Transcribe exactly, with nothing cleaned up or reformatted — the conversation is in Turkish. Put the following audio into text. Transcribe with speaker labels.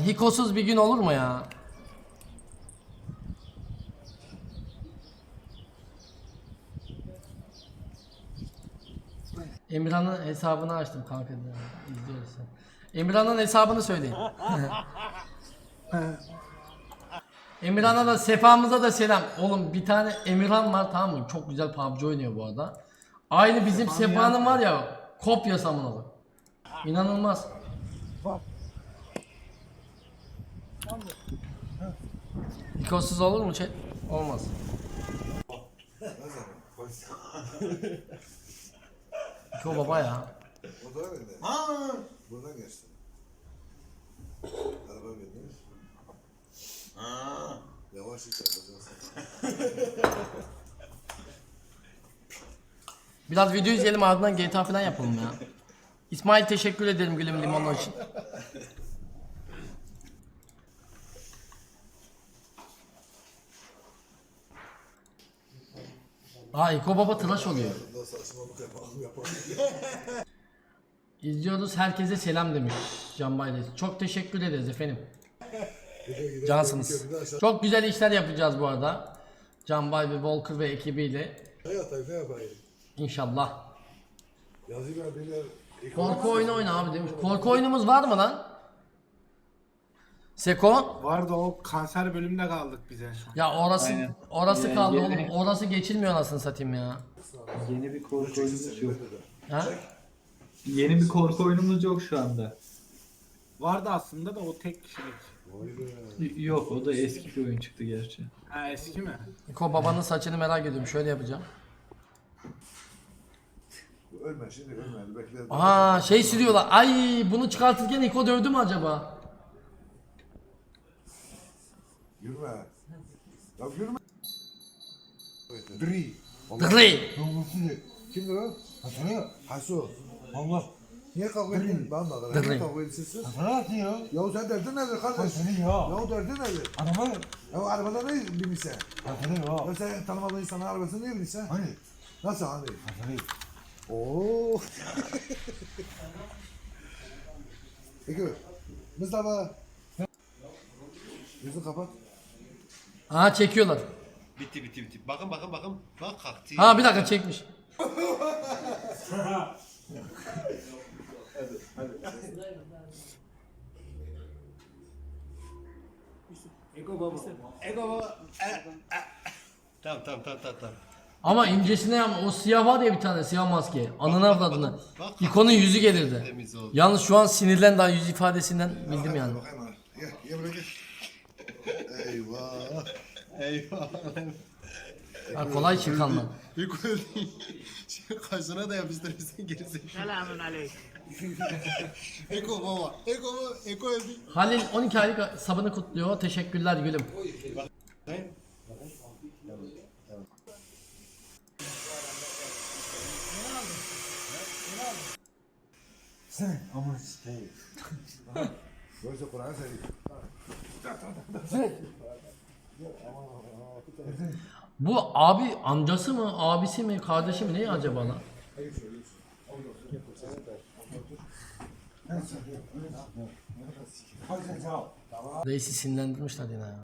Speaker 1: Hikosuz bir gün olur mu ya? Emirhan'ın hesabını açtım kanka. İzliyorsun. Emirhan'ın hesabını söyleyin. Emirhan'a da Sefa'mıza da selam. Oğlum bir tane Emirhan var, tamam mı? Çok güzel P U B G oynuyor bu arada. Aynı bizim Sefa'nın var ya, kopyası amına bak. İnanılmaz. Hikosuz olur mu chat? Olmaz. Hiko baba ya.
Speaker 2: O da öyle. Ha! Buradan geçti. Araba bindir. Ha! Yavaş hiç yapacaksın.
Speaker 1: Biraz video izleyelim, ardından G T A falan yapalım ya. İsmail teşekkür ederim gülüm limonlu için. Aa Hiko baba tıraş oluyor. İzliyoruz, herkese selam demiş Can Bayraç. Çok teşekkür ederiz efendim. Cansınız. Çok güzel işler yapacağız bu arada. Can Bay ve Volker ve ekibiyle.
Speaker 2: Ne yapayım ne yapayım?
Speaker 1: İnşallah.
Speaker 2: Yazıyla beyler.
Speaker 1: Korku oyunu oyna abi demiş. Korku oyunumuz var mı lan? Seko?
Speaker 3: Vardı, o kanser bölümünde kaldık bize şu an.
Speaker 1: Ya orası
Speaker 4: Aynen.
Speaker 1: orası
Speaker 4: Yani
Speaker 1: kaldı
Speaker 4: yeni-
Speaker 1: oğlum. Orası geçilmiyor anasını satayım ya.
Speaker 4: Yeni bir korku oyunumuz yok.
Speaker 1: Ha?
Speaker 4: Yeni bir korku oyunumuz yok şu anda.
Speaker 3: Vardı aslında da o tek kişilik.
Speaker 4: Y- Yok, o da eski bir oyun çıktı gerçi.
Speaker 3: Ha, eski mi?
Speaker 1: Niko babanın saçını merak ediyorum. Şöyle yapacağım.
Speaker 2: Ölme şimdi ölme. Bekle.
Speaker 1: Aa şey sürüyorlar. Ay bunu çıkartırken Niko dövdü mü acaba?
Speaker 2: Yürüme. Ya yürüme. Dri.
Speaker 1: Dri.
Speaker 2: Kimdir o? Hasan. Hasu. Allah. Niye kavga ettin? Ben de
Speaker 1: Dri.
Speaker 2: Niye kavga ettin siz?
Speaker 5: Nasıl ya?
Speaker 2: Ya sen derdin nedir kardeş?
Speaker 5: Seni ya.
Speaker 2: Ya derdin nedir?
Speaker 5: Araba.
Speaker 2: Ya arabada ne binmişsen?
Speaker 5: Seni ya.
Speaker 2: Ya sen tanımadığın insanın arabasını niye binmişsen?
Speaker 5: Hani?
Speaker 2: Nasıl hani?
Speaker 5: Seni.
Speaker 2: Oo. Peki. Mustafa. Yüzünü kapat.
Speaker 1: Aa çekiyorlar.
Speaker 6: Bitti bitti bitti. Bakın bakın bakın. Bak kalktı.
Speaker 1: Ha bir dakika çekmiş.
Speaker 6: Tamam tamam tamam tamam. tamam.
Speaker 1: Ama incesine yapma. O siyah var ya bir tane siyah maske. Anını avradını.
Speaker 6: bak.
Speaker 1: İkonun yüzü gelirdi.
Speaker 6: Temiz oldu.
Speaker 1: Yalnız şu an sinirlen daha yüz ifadesinden bildim yani.
Speaker 2: Bakayım ha. Gel, gel buraya gel. Eyvah.
Speaker 6: Eyvah.
Speaker 1: Ha, kolay çıkanlar.
Speaker 6: Bir gol değil. Şimdi kaşına da yapıştırırsın gerisi.
Speaker 3: Selamun aleyküm.
Speaker 6: Eko baba. Eko baba. Eko öldü.
Speaker 1: Halil on iki aylık sabını kutluyor. Teşekkürler gülüm.
Speaker 5: Sen ama sikeyim.
Speaker 2: Yoksa Kur'an seveyim.
Speaker 1: Bu abi amcası mı, abisi mi, kardeşi mi ne acaba lan?
Speaker 5: Hadi sen sağ ol.
Speaker 1: Reisi sinirlendirmişler yine ya.